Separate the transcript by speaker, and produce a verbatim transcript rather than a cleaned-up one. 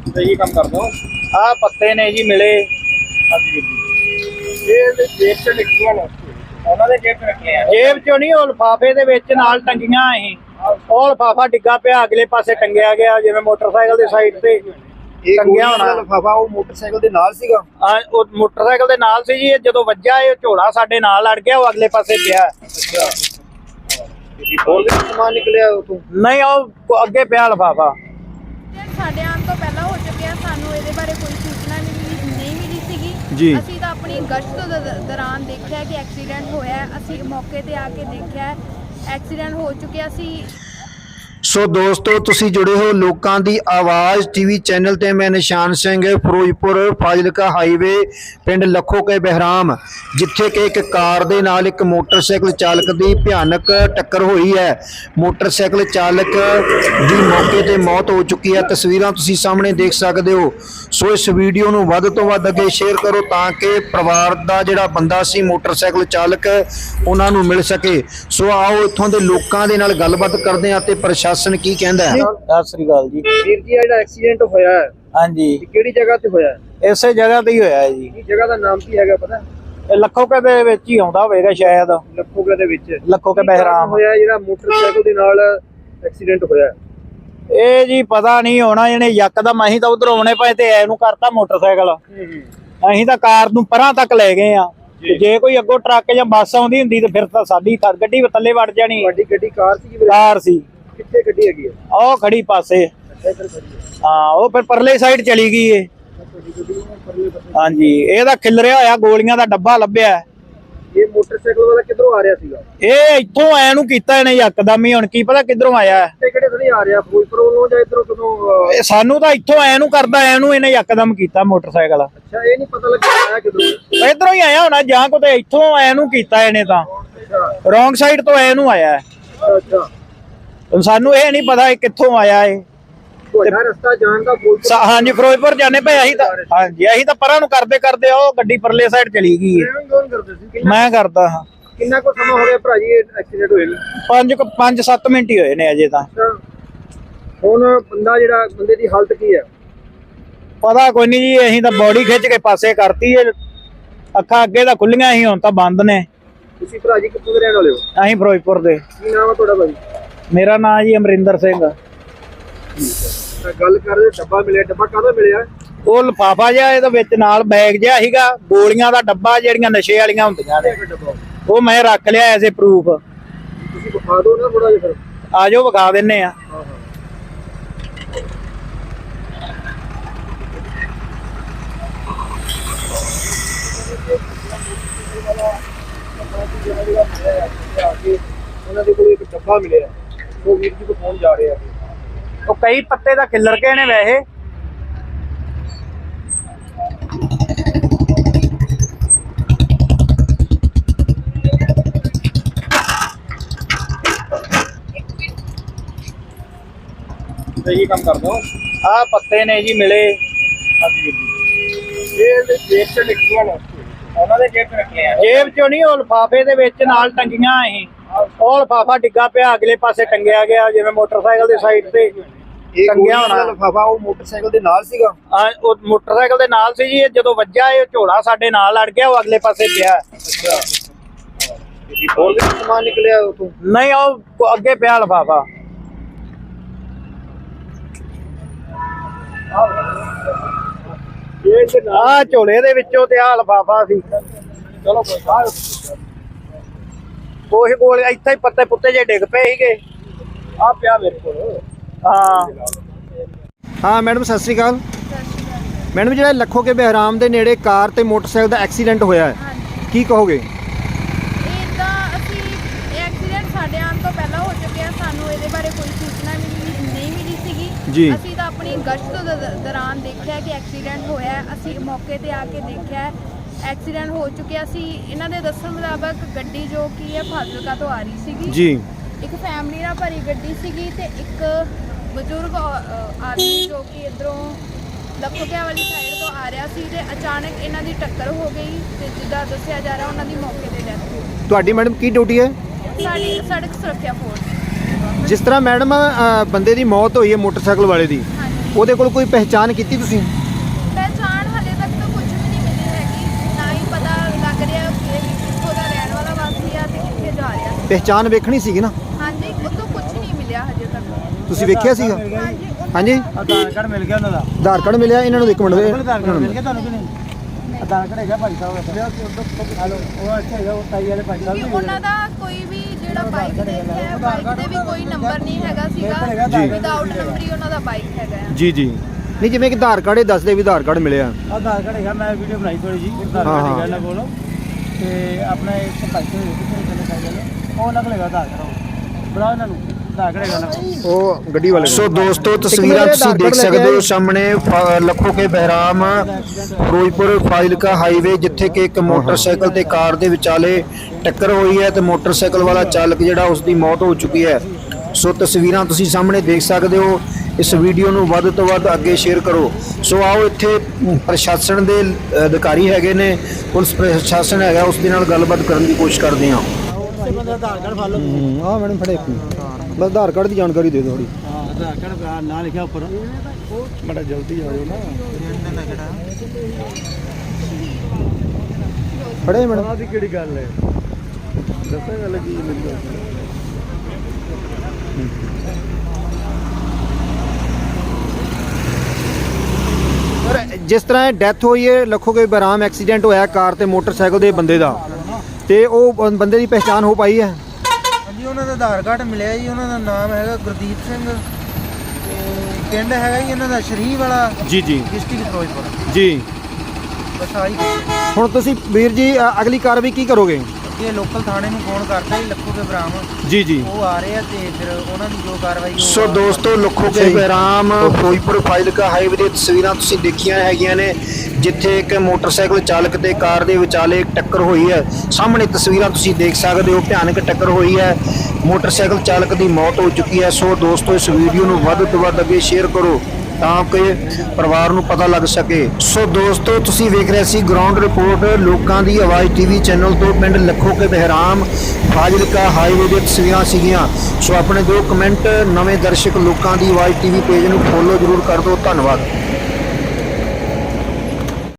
Speaker 1: सही काम कर दो। आ पत्ते ने जी मिले। हाँ जी ये जेब च निकलियां ने उन्होंने जेब च निकले जेब चो नहीं ਉਹ ਲਿਫਾਫੇ ਦੇ ਵਿੱਚ ਨਾਲ ਟੰਗੀਆਂ ਅਸੀਂ ਉਹ ਲਿਫਾਫਾ ਡਿੱਗਾ ਪਿਆ ਅਗਲੇ ਪਾਸੇ ਟੰਗਿਆ ਗਿਆ ਜਿਵੇਂ ਮੋਟਰਸਾਈਕਲ ਦੀ ਸਾਈਡ ਤੇ ਟੰਗਿਆ ਹੋਣਾ ਲਿਫਾਫਾ ਉਹ ਮੋਟਰਸਾਈਕਲ ਦੇ ਨਾਲ ਸੀਗਾ ਹਾਂ ਉਹ ਮੋਟਰਸਾਈਕਲ ਦੇ ਨਾਲ ਸੀ ਜੀ ਇਹ ਜਦੋਂ ਵੱਜਾ ਇਹ ਝੋਲਾ ਸਾਡੇ ਨਾਲ ਲੜ ਗਿਆ ਉਹ ਅਗਲੇ ਪਾਸੇ ਪਿਆ ਅੱਛਾ ਹੋਰ ਵੀ ਸਮਾਨ ਨਿਕਲਿਆ ਉਤੋਂ ਨਹੀਂ ਉਹ ਅੱਗੇ ਪਿਆ ਲਿਫਾਫਾ
Speaker 2: ਸਾਡੇ ਆਉਣ ਤੋਂ ਪਹਿਲਾਂ ਹੋ ਚੁੱਕਿਆ ਸਾਨੂੰ ਇਹਦੇ ਬਾਰੇ ਕੋਈ ਸੂਚਨਾ ਨਹੀਂ ਨਹੀਂ ਮਿਲੀ ਸੀਗੀ
Speaker 1: ਜੀ
Speaker 2: ਅਸੀਂ ਤਾਂ ਆਪਣੀ ਗਸ਼ਤ ਦੇ ਦੌਰਾਨ ਦੇਖਿਆ ਕਿ ਐਕਸੀਡੈਂਟ ਹੋਇਆ ਅਸੀਂ ਮੌਕੇ ਤੇ ਆ ਕੇ ਦੇਖਿਆ ਐਕਸੀਡੈਂਟ ਹੋ ਚੁੱਕਿਆ ਸੀ।
Speaker 3: ਸੋ ਦੋਸਤੋ ਤੁਸੀਂ ਜੁੜੇ ਹੋ ਲੋਕਾਂ ਦੀ ਆਵਾਜ਼ ਟੀਵੀ ਚੈਨਲ ਤੇ ਮੈਂ ਨਿਸ਼ਾਨ ਸਿੰਘ ਫਿਰੋਜ਼ਪੁਰ ਫਾਜ਼ਿਲਕਾ ਹਾਈਵੇ ਪਿੰਡ ਲੱਖੋ ਕੇ ਬਹਿਰਾਮ ਜਿੱਥੇ ਕਿ ਇੱਕ ਕਾਰ ਦੇ ਨਾਲ ਇੱਕ ਮੋਟਰਸਾਈਕਲ ਚਾਲਕ ਦੀ ਭਿਆਨਕ ਟੱਕਰ ਹੋਈ ਹੈ। ਮੋਟਰਸਾਈਕਲ ਚਾਲਕ ਦੀ ਮੌਕੇ ਤੇ ਮੌਤ ਹੋ ਚੁੱਕੀ ਹੈ। ਤਸਵੀਰਾਂ ਤੁਸੀਂ ਸਾਹਮਣੇ ਦੇਖ ਸਕਦੇ ਹੋ। ਸੋ ਇਸ ਵੀਡੀਓ ਨੂੰ ਵੱਧ ਤੋਂ ਵੱਧ ਅੱਗੇ ਸ਼ੇਅਰ ਕਰੋ ਤਾਂ ਕਿ ਪਰਿਵਾਰ ਦਾ ਜਿਹੜਾ ਬੰਦਾ ਸੀ ਮੋਟਰਸਾਈਕਲ ਚਾਲਕ ਉਹਨਾਂ ਨੂੰ ਮਿਲ ਸਕੇ। ਸੋ ਆਓ ਇੱਥੋਂ ਦੇ ਲੋਕਾਂ ਦੇ ਨਾਲ ਗੱਲਬਾਤ ਕਰਦੇ ਹਾਂ ਤੇ ਪ੍ਰਸ਼ਾਸਨ ਕੀ ਕਹਿੰਦਾ ਹੈ।
Speaker 1: ਸਤਿ ਸ੍ਰੀ ਅਕਾਲ ਜੀ
Speaker 4: ਵੀਰ ਜੀ ਜਿਹੜਾ ਐਕਸੀਡੈਂਟ ਹੋਇਆ ਹੈ
Speaker 1: ਹਾਂਜੀ
Speaker 4: ਕਿਹੜੀ ਜਗ੍ਹਾ ਤੇ ਹੋਇਆ ਹੈ
Speaker 1: ਇਸੇ ਜਗ੍ਹਾ ਤੇ ਹੀ ਹੋਇਆ ਹੈ ਜੀ।
Speaker 4: ਇਹ ਜਗ੍ਹਾ ਦਾ ਨਾਮ ਕੀ ਹੈਗਾ ਪਤਾ
Speaker 1: ਇਹ ਲੱਖੋਕੇ ਦੇ ਵਿੱਚ ਹੀ ਆਉਂਦਾ ਹੋਵੇਗਾ ਸ਼ਾਇਦ
Speaker 4: ਲੱਖੋਕੇ ਦੇ ਵਿੱਚ
Speaker 1: ਲੱਖੋਕੇ ਬਹਿਰਾਮ
Speaker 4: ਹੋਇਆ ਜਿਹੜਾ ਮੋਟਰਸਾਈਕਲ ਦੇ ਨਾਲ ਐਕਸੀਡੈਂਟ ਹੋਇਆ
Speaker 1: ਇਹ ਜੀ ਪਤਾ ਨਹੀਂ ਹੋਣਾ ਇਹਨੇ ਯਕਦਮ ਅਸੀਂ ਤਾਂ ਉਧਰ ਆਉਣੇ ਪਏ ਤੇ ਐਨੂੰ ਕਰਤਾ ਮੋਟਰਸਾਈਕਲ ਅਸੀਂ ਤਾਂ ਕਾਰ ਨੂੰ ਪਰਾਂ ਤੱਕ ਲੈ ਗਏ ਆ ਜੇ ਕੋਈ ਅੱਗੋਂ ਟਰੱਕ ਜਾਂ ਬੱਸ ਆਉਂਦੀ ਹੁੰਦੀ ਤੇ ਫਿਰ ਤਾਂ ਸਾਡੀ ਗੱਡੀ ਥੱਲੇ ਵੜ ਜਾਣੀ
Speaker 4: ਵੱਡੀ ਗੱਡੀ ਕਾਰ ਸੀ
Speaker 1: ਕਾਰ ਸੀ
Speaker 4: ਕਿੱਥੇ ਗੱਡੀ ਹੈਗੀ
Speaker 1: ਉਹ ਖੜੀ ਪਾਸੇ ਹਾਂ ਉਹ ਫਿਰ ਪਰਲੇ ਸਾਈਡ ਚਲੀ ਗਈ ਏ ਹਾਂਜੀ ਇਹਦਾ ਖਿਲਰਿਆ ਹੋਇਆ ਗੋਲੀਆਂ ਦਾ ਡੱਬਾ ਲੱਭਿਆ
Speaker 4: ਇਹ ਮੋਟਰਸਾਈਕਲ ਵਾਲਾ ਕਿੱਧਰੋਂ ਆ ਰਿਹਾ ਸੀਗਾ
Speaker 1: ਇਹ ਇੱਥੋਂ ਐ ਨੂੰ ਕੀਤਾ ਇਹਨੇ ਯਕਦਮ ਹੀ ਹੁਣ ਕੀ ਪਤਾ ਕਿੱਧਰੋਂ ਆਇਆ
Speaker 4: ਤੇ ਕਿਹੜੇ ਤੋਂ ਨਹੀਂ ਆ ਰਿਹਾ ਫਿਰੋਜ਼ਪੁਰ ਵੱਲੋਂ ਜਾਂ ਇਧਰੋਂ ਕਦੋਂ
Speaker 1: ਇਹ ਸਾਨੂੰ ਤਾਂ ਇੱਥੋਂ ਐ ਨੂੰ ਕਰਦਾ ਐ ਨੂੰ ਇਹਨੇ ਯਕਦਮ ਕੀਤਾ ਮੋਟਰਸਾਈਕਲ
Speaker 4: ਅੱਛਾ ਇਹ ਨਹੀਂ ਪਤਾ ਲੱਗਿਆ ਆਇਆ ਕਿੱਧਰੋਂ
Speaker 1: ਇਧਰੋਂ ਹੀ ਆਇਆ ਹੋਣਾ ਜਾਂ ਕਿਤੇ ਇੱਥੋਂ ਐ ਨੂੰ ਕੀਤਾ ਇਹਨੇ ਤਾਂ ਰੋਂਗ ਸਾਈਡ ਤੋਂ ਐ ਨੂੰ ਆਇਆ
Speaker 4: ਅੱਛਾ
Speaker 1: ਸਾਨੂੰ ਇਹ ਨਹੀਂ ਪਤਾ ਇਹ ਕਿੱਥੋਂ ਆਇਆ ਇਹ
Speaker 4: ਤੁਹਾਡਾ ਰਸਤਾ ਜਾਣ ਦਾ ਫਿਰੋਜ਼ਪੁਰ
Speaker 1: ਹਾਂਜੀ ਫਿਰੋਜ਼ਪੁਰ ਜਾਣੇ ਪਏ ਅਸੀਂ ਤਾਂ ਹਾਂਜੀ ਅਸੀਂ ਤਾਂ ਪਰਾਂ ਨੂੰ ਕਰਦੇ ਕਰਦੇ ਉਹ ਗੱਡੀ ਪਰਲੇ ਸਾਈਡ ਚਲੀ ਗਈ ਹੈ
Speaker 4: ਕੌਣ ਕਰਦੇ ਸੀ
Speaker 1: ਮੈਂ ਕਰਦਾ ਹਾਂ
Speaker 4: ਕਿੰਨਾ ਕੁ ਸਮਾਂ ਹੋ ਗਿਆ ਭਰਾ ਜੀ ਐਕਸੀਡੈਂਟ ਹੋਏ ਨੂੰ
Speaker 1: ਪੰਜ ਕੁ- ਪੰਜ ਸੱਤ ਮਿੰਟ ਹੀ ਹੋਏ ਨੇ ਅਜੇ ਤਾਂ
Speaker 4: ਹੁਣ ਬੰਦਾ ਜਿਹੜਾ ਬੰਦੇ ਦੀ ਹਾਲਤ ਕੀ ਹੈ
Speaker 1: ਪਤਾ ਕੋਈ ਨਹੀਂ ਜੀ ਅਸੀਂ ਤਾਂ ਬੋਡੀ ਖਿੱਚ ਕੇ ਪਾਸੇ ਕਰਤੀ ਹੈ ਅੱਖਾਂ ਅੱਗੇ ਤਾਂ ਖੁੱਲੀਆਂ ਸੀ ਹੁਣ ਤਾਂ ਬੰਦ ਨੇ
Speaker 4: ਤੁਸੀਂ ਭਰਾ ਜੀ ਕਿੱਥੋਂ ਦੇ ਰਹਿਣ ਵਾਲੇ ਹੋ
Speaker 1: ਅਸੀਂ ਫਿਰੋਜ਼ਪੁਰ ਦੇ
Speaker 4: ਕੀ ਨਾਮ ਹੈ ਤੁਹਾਡਾ ਭਾਈ
Speaker 1: ਮੇਰਾ ਨਾਮ ਜੀ ਅਮਰਿੰਦਰ ਸਿੰਘ
Speaker 4: ਤਾਂ ਗੱਲ ਕਰ ਰਹੇ ਡੱਬਾ ਮਿਲਿਆ ਡੱਬਾ ਕਾਹਦਾ ਮਿਲਿਆ
Speaker 1: ਉਹ ਲਿਫਾਫਾ ਜਿਹਾ ਇਹਦੇ ਵਿੱਚ ਨਾਲ ਬੈਗ ਜਿਹਾ ਸੀਗਾ ਗੋਲੀਆਂ ਦਾ ਡੱਬਾ ਜਿਹੜੀਆਂ ਨਸ਼ੇ ਵਾਲੀਆਂ ਹੁੰਦੀਆਂ ਨੇ ਉਹ ਮੈਂ ਰੱਖ ਲਿਆ ਐਸੇ ਪ੍ਰੂਫ
Speaker 4: ਤੁਸੀਂ ਵਿਖਾ ਦਿਓ ਨਾ ਥੋੜਾ ਜਿਹਾ ਫਿਰ
Speaker 1: ਆ ਜਾਓ ਵਿਖਾ ਦਿੰਨੇ ਆ
Speaker 4: ਉਹਨਾਂ ਦੇ ਕੋਲ ਇੱਕ ਡੱਬਾ ਮਿਲਿਆ ਉਹ ਵੀਰ ਜੀ ਕੋ ਫੋਨ ਜਾ ਰਿਹਾ
Speaker 1: ਉਹ ਕਈ ਪੱਤੇ ਦਾ ਖਿੱਲਰ ਕੇ ਨੇ ਵੈਸੇ
Speaker 4: ਸਹੀ ਕੰਮ ਕਰ ਦੋ
Speaker 1: ਆ ਪੱਤੇ ਨੇ ਜੀ ਮਿਲੇ
Speaker 4: ਹਾਂਜੀ ਇਹ ਜੇਬ ਚ ਨਿਕਲੀਆਂ ਨੇ ਉਹਨਾਂ ਦੇ ਜੇਬ ਚ ਨਿਕਲੇ ਆ
Speaker 1: ਜੇਬ ਚੋਂ ਨਹੀਂ ਉਹ ਲਿਫਾਫੇ ਦੇ ਵਿੱਚ ਨਾਲ ਟੰਗੀਆਂ ਅਸੀਂ ਉਹ ਲਿਫਾਫਾ ਡਿੱਗਾ ਪਿਆ ਅਗਲੇ ਪਾਸੇ ਟੰਗਿਆ ਗਿਆ ਜਿਵੇਂ ਮੋਟਰਸਾਈਕਲ ਦੀ ਸਾਈਡ ਤੇ ਟੰਗਿਆ ਹੋਣਾ
Speaker 4: ਲਿਫਾਫਾ ਉਹ ਮੋਟਰਸਾਈਕਲ ਦੇ ਨਾਲ ਸੀਗਾ
Speaker 1: ਹਾਂ ਉਹ ਮੋਟਰਸਾਈਕਲ ਦੇ ਨਾਲ ਸੀ ਜੀ ਇਹ ਜਦੋਂ ਵੱਜਾ ਇਹ ਝੋਲਾ ਸਾਡੇ ਨਾਲ ਲੜ ਗਿਆ ਉਹ ਅਗਲੇ ਪਾਸੇ ਪਿਆ
Speaker 4: ਅੱਛਾ ਹੋਰ ਵੀ ਸਮਾਨ ਨਿਕਲਿਆ ਉਤੋਂ
Speaker 1: ਨਹੀਂ ਉਹ ਅੱਗੇ ਪਿਆ ਲਿਫਾਫਾ ਆ ਝੋਲੇ ਦੇ ਵਿੱਚੋਂ ਤੇ ਆ ਲਿਫਾਫਾ ਸੀ
Speaker 4: ਚਲੋ
Speaker 1: ਉਹੀ ਕੋਲ ਇੱਥੇ ਹੀ ਪੱਤੇ ਪੁੱਤੇ ਜੇ ਡਿੱਗ ਪਏ ਸੀਗੇ
Speaker 4: ਆ ਪਿਆ ਮੇਰੇ ਕੋਲ
Speaker 1: ਹਾਂ
Speaker 3: ਹਾਂ ਮੈਡਮ ਸਤਿ ਸ੍ਰੀ ਅਕਾਲ। ਮੈਡਮ ਜਿਹੜਾ ਲੱਖੋ ਕੇ ਬਹਿਰਾਮ ਦੇ ਨੇੜੇ ਕਾਰ ਤੇ ਮੋਟਰਸਾਈਕਲ ਦਾ ਐਕਸੀਡੈਂਟ ਹੋਇਆ ਹੈ ਕੀ ਕਹੋਗੇ?
Speaker 2: ਇਹ ਤਾਂ ਅਸੀਂ ਇਹ ਐਕਸੀਡੈਂਟ ਸਾਡੇ ਆਉਣ ਤੋਂ ਪਹਿਲਾਂ ਹੋ ਚੁੱਕਿਆ ਸਾਨੂੰ ਇਹਦੇ ਬਾਰੇ ਕੋਈ ਸੂਚਨਾ ਮਿਲੀ ਨਹੀਂ ਮਿਲੀ ਸੀਗੀ
Speaker 3: ਜੀ
Speaker 2: ਅਸੀਂ ਤਾਂ ਆਪਣੀ ਗਸ਼ਤ ਦੇ ਦੌਰਾਨ ਦੇਖਿਆ ਕਿ ਐਕਸੀਡੈਂਟ ਹੋਇਆ ਅਸੀਂ ਮੌਕੇ ਤੇ ਆ ਕੇ ਦੇਖਿਆ ਐਕਸੀਡੈਂਟ ਹੋ ਚੁੱਕਿਆ ਸੀ। ਇਹਨਾਂ ਦੇ ਦੱਸਣ ਮੁਤਾਬਕ ਗੱਡੀ ਜੋ ਕਿ ਹੈ ਫਾਜ਼ਿਲਕਾ ਤੋਂ ਆ ਰਹੀ ਸੀਗੀ
Speaker 3: ਜੀ
Speaker 2: ਇੱਕ ਫੈਮਿਲੀ ਨਾਲ ਭਰੀ ਗੱਡੀ ਸੀਗੀ ਤੇ ਇੱਕ ਬਜ਼ੁਰਗ ਆਦਮੀ ਜੋ ਕਿ ਇਧਰੋਂ ਲੱਖੋਕਿਆਂ ਵਾਲੀ ਸਾਈਡ ਤੋਂ ਆ ਰਿਹਾ ਸੀ ਤੇ ਅਚਾਨਕ ਇਹਨਾਂ ਦੀ ਟੱਕਰ ਹੋ ਗਈ ਤੇ ਜਿੱਦਾਂ ਦੱਸਿਆ ਜਾ ਰਿਹਾ ਉਹਨਾਂ ਦੀ ਮੌਕੇ ਤੇ ਡੈਥ ਹੋ ਗਈ।
Speaker 3: ਤੁਹਾਡੀ ਮੈਡਮ ਕੀ ਡਿਊਟੀ ਹੈ?
Speaker 2: ਸਾਡੀ ਸੜਕ ਸੁਰੱਖਿਆ ਫੋਰਸ।
Speaker 3: ਜਿਸ ਤਰ੍ਹਾਂ ਮੈਡਮ ਬੰਦੇ ਦੀ ਮੌਤ ਹੋਈ ਹੈ ਮੋਟਰਸਾਈਕਲ ਵਾਲੇ ਦੀ
Speaker 2: ਹਾਂਜੀ
Speaker 3: ਉਹਦੇ ਕੋਲ ਕੋਈ ਪਹਿਚਾਣ ਕੀਤੀ ਤੁਸੀਂ?
Speaker 2: ਪਹਿਚਾਣ ਹਲੇ ਤੱਕ ਤਾਂ ਕੁਝ ਵੀ ਨਹੀਂ ਮਿਲੀ ਹੈਗੀ, ਨਾ ਹੀ ਪਤਾ ਲੱਗ ਰਿਹਾ ਕਿ ਕਿੱਥੋਂ ਦਾ ਰਹਿਣ ਵਾਲਾ ਵਾਸੀ ਆ ਤੇ ਕਿੱਥੇ ਜਾ ਰਿਹਾ।
Speaker 3: ਪਹਿਚਾਣ ਵੇਖਣੀ ਸੀਗੀ ਨਾ।
Speaker 2: ਹਾਂਜੀ, ਉਹ ਤੋਂ ਕੁਝ ਨਹੀਂ ਮਿਲਿਆ ਹਜੇ ਤੱਕ।
Speaker 3: ਤੁਸੀਂ ਵੇਖਿਆ ਸੀਗਾ?
Speaker 2: ਹਾਂਜੀ ਉਹਨਾਂ
Speaker 3: ਹਾਂਜੀ,
Speaker 4: ਆਧਾਰ ਕਾਰਡ ਮਿਲ ਗਿਆ ਉਹਨਾਂ ਦਾ।
Speaker 3: ਆਧਾਰ ਕਾਰਡ ਮਿਲਿਆ ਇਹਨਾਂ ਨੂੰ? ਇੱਕ ਮਿੰਟ ਦੇ
Speaker 4: ਆਧਾਰ ਕਾਰਡ ਮਿਲ ਗਿਆ ਤੁਹਾਨੂੰ ਕਿ ਨਹੀਂ? ਆਧਾਰ ਕਾਰਡ ਹੈਗਾ ਭਾਈ ਸਾਹਿਬ ਦਾ। ਹਲੋ ਉਹ ਅੱਛਾ ਹੈਗਾ, ਉਹ ਤਾਈ ਵਾਲੇ ਭਾਈ ਸਾਹਿਬ
Speaker 2: ਕਿ
Speaker 4: ਵੀ
Speaker 2: ਉਹਨਾਂ ਦਾ ਕੋਈ ਵੀ ਜਿਹੜਾ ਬਾਈਕ ਤੇ ਹੈ, ਬਾਈਕ ਤੇ ਵੀ ਕੋਈ ਨੰਬਰ ਨਹੀਂ ਹੈਗਾ ਸੀਗਾ,
Speaker 3: ਜੀ।
Speaker 2: ਵਿਦਆਊਟ ਨੰਬਰ ਹੀ ਉਹਨਾਂ ਦਾ ਬਾਈਕ ਹੈਗਾ ਆ।
Speaker 3: ਜੀ ਜੀ। ਨਹੀਂ, ਜਿਵੇਂ ਕਿ ਆਧਾਰ ਕਾਰਡ ਇਹ ਦੱਸਦੇ ਵੀ ਆਧਾਰ ਕਾਰਡ ਮਿਲਿਆ।
Speaker 4: ਆਧਾਰ ਕਾਰਡ ਹੈਗਾ, ਮੈਂ ਵੀਡੀਓ ਬਣਾਈ ਥੋੜੀ ਜੀ। ਆਧਾਰ
Speaker 3: ਹਾਂ,
Speaker 4: ਕਾਰਡ
Speaker 3: ਹਾਂ।
Speaker 4: ਹੈਗਾ ਇਹਨਾਂ ਕੋਲ ਤੇ ਆਪਣਾ ਇੱਕ ਭਾਈ ਸਾਹਿਬ ਕਿੱਥੇ ਚੱਲੇ ਸਾਈਕਲ ਉਹ ਉਹਨਾਂ ਕੋਲ ਹੈਗਾ ਆਧਾਰ ਕਾਰਡ। ਬੁਲਾਓ ਇਹਨਾਂ ਨੂੰ, ਆਧਾਰ ਕਾਰਡ ਹੈਗਾ ਉਹਨਾਂ ਕੋਲ।
Speaker 3: ਉਹ ਗੱਡੀ ਵਾਲੇ। ਸੋ ਦੋਸਤੋ, ਤਸਵੀਰਾਂ ਤੁਸੀਂ ਦੇਖ ਸਕਦੇ ਹੋ ਸਾਹਮਣੇ ਫ- ਲੱਖੋ ਕੇ ਬਹਿਰਾਮ ਫਿਰੋਜ਼ਪੁਰ ਫਾਜ਼ਿਲਕਾ ਹਾਈਵੇ, ਜਿੱਥੇ ਕਿ ਇੱਕ ਮੋਟਰਸਾਈਕਲ ਤੇ ਕਾਰ ਦੇ ਵਿਚਾਲੇ ਟੱਕਰ ਹੋਈ ਹੈ ਤੇ ਮੋਟਰਸਾਈਕਲ ਵਾਲਾ ਚਾਲਕ ਜਿਹੜਾ ਉਸ ਦੀ ਮੌਤ ਹੋ ਚੁੱਕੀ ਹੈ। ਸੋ ਤਸਵੀਰਾਂ ਤੁਸੀਂ ਸਾਹਮਣੇ ਦੇਖ ਸਕਦੇ ਹੋ। ਇਸ ਵੀਡੀਓ ਨੂੰ ਵੱਧ ਤੋਂ ਵੱਧ ਅੱਗੇ ਸ਼ੇਅਰ ਕਰੋ। ਸੋ ਆਓ, ਇੱਥੇ ਪ੍ਰਸ਼ਾਸਨ ਦੇ ਅਧਿਕਾਰੀ ਹੈਗੇ ਨੇ, ਪੁਲਿਸ ਪ੍ਰਸ਼ਾਸਨ ਹੈਗਾ, ਉਸ ਦੇ ਨਾਲ ਗੱਲਬਾਤ ਕਰਨ ਦੀ ਕੋਸ਼ਿਸ਼ ਕਰਦੇ ਹਾਂ।
Speaker 4: ਆਧਾਰ ਕਾਰਡ ਫੜ ਲਓ।
Speaker 3: ਹਾਂ ਮੈਡਮ, ਫੜੇ ਬਸ ਆਧਾਰ ਕਾਰਡ ਦੀ ਜਾਣਕਾਰੀ ਦੇ ਦਿਓ ਥੋੜੀ।
Speaker 4: ਹਾਂ, ਆਧਾਰ ਕਾਰਡ ਨਾਂ ਲਿਖਿਆ ਉੱਪਰ। ਬੜਾ ਜਲਦੀ ਆ ਜਾਓ ਨਾ।
Speaker 3: ਫੜੇ ਮੈਡਮ।
Speaker 4: ਆਹ ਦੀ ਕਿਹੜੀ ਗੱਲ ਹੈ? ਦੱਸਾਂ ਗੱਲ ਕੀ ਮੈਨੂੰ?
Speaker 3: ਜਿਸ ਤਰ੍ਹਾਂ ਡੈਥ ਹੋਈ ਹੈ ਲੱਖੋ ਕੇ ਬਹਿਰਾਮ, ਐਕਸੀਡੈਂਟ ਹੋਇਆ ਕਾਰ ਤੇ ਮੋਟਰਸਾਈਕਲ ਦੇ ਬੰਦੇ ਦਾ, ਤੇ ਉਹ ਬੰ- ਬੰਦੇ ਦੀ ਪਹਿਚਾਣ ਹੋ ਪਾਈ ਹੈ?
Speaker 5: ਹਾਂਜੀ, ਉਹਨਾਂ ਦਾ ਆਧਾਰ ਕਾਰਡ ਮਿਲਿਆ ਜੀ। ਉਹਨਾਂ ਦਾ ਨਾਮ ਹੈਗਾ ਗੁਰਦੀਪ ਸਿੰਘ ਤੇ ਪਿੰਡ ਹੈਗਾ ਜੀ ਇਹਨਾਂ ਦਾ ਸ਼ਰੀਫ ਵਾਲਾ,
Speaker 3: ਜੀ ਜੀ
Speaker 5: ਡਿਸਟ੍ਰਿਕਟ ਫਿਰੋਜ਼ਪੁਰ।
Speaker 3: ਜੀ।
Speaker 5: ਬਸ ਆਹੀ ਕੁਛ।
Speaker 3: ਹੁਣ ਤੁਸੀਂ ਵੀਰ ਜੀ ਅ- ਅਗਲੀ ਕਾਰਵਾਈ ਕੀ ਕਰੋਗੇ?
Speaker 5: ਅੱਗੇ ਲੋਕਲ ਥਾਣੇ ਨੂੰ ਫੋਨ ਕਰਤਾ ਜੀ ਲੱਖੋ ਕੇ ਬਰਾਮ,
Speaker 3: ਜੀ ਜੀ।
Speaker 5: ਉਹ ਆ ਰਹੇ ਆ ਤੇ ਫਿਰ ਉਹਨਾਂ ਦੀ ਜੋ ਕਾਰਵਾਈ ਉਹ
Speaker 3: ਸੋ ਦੋਸਤੋ, ਲੱਖੋ ਕੇ ਬਹਿਰਾਮ ਫਿਰੋਜ਼ਪੁਰ ਫਾਜ਼ਿਲਕਾ ਹਾਈਵੇ ਦੀਆਂ ਤਸਵੀਰਾਂ ਤੁਸੀਂ ਦੇਖੀਆਂ ਹੈਗੀਆਂ ਨੇ, ਜਿੱਥੇ ਇੱਕ ਮੋਟਰਸਾਈਕਲ ਚਾਲਕ ਤੇ ਕਾਰ ਦੇ ਵਿਚਾਲੇ ਟੱਕਰ ਹੋਈ ਹੈ। ਸਾਹਮਣੇ ਤਸਵੀਰਾਂ ਤੁਸੀਂ ਦੇਖ ਸਕਦੇ ਹੋ, ਭਿਆਨਕ ਟੱਕਰ ਹੋਈ ਹੈ, ਮੋਟਰਸਾਈਕਲ ਚਾਲਕ ਦੀ ਮੌਤ ਹੋ ਚੁੱਕੀ ਹੈ। ਸੋ ਦੋਸਤੋ, ਇਸ ਵੀਡੀਓ ਨੂੰ ਵੱਧ ਤੋਂ ਵੱਧ ਅੱਗੇ ਸ਼ੇਅਰ ਕਰੋ ਤਾਂ ਕਿ ਪਰਿਵਾਰ ਨੂੰ ਪਤਾ ਲੱਗ ਸਕੇ। ਸੋ ਦੋਸਤੋ, ਤੁਸੀਂ ਵੇਖ ਰਹੇ ਸੀ ਗਰਾਊਂਡ ਰਿਪੋਰਟ ਲੋਕਾਂ ਦੀ ਆਵਾਜ਼ ਟੀਵੀ ਚੈਨਲ ਤੋਂ। ਪਿੰਡ ਲੱਖੋ ਕੇ ਬਹਿਰਾਮ ਫਾਜ਼ਿਲਕਾ ਹਾਈਵੇ ਦੀਆਂ ਤਸਵੀਰਾਂ ਸੀਗੀਆਂ। ਸੋ ਆਪਣੇ ਦੋ ਕਮੈਂਟ ਨਵੇਂ ਦਰਸ਼ਕ ਲੋਕਾਂ ਦੀ ਆਵਾਜ਼ ਟੀਵੀ ਪੇਜ ਨੂੰ ਫੋਲੋ ਜ਼ਰੂਰ ਕਰ ਦਿਓ। ਧੰਨਵਾਦ।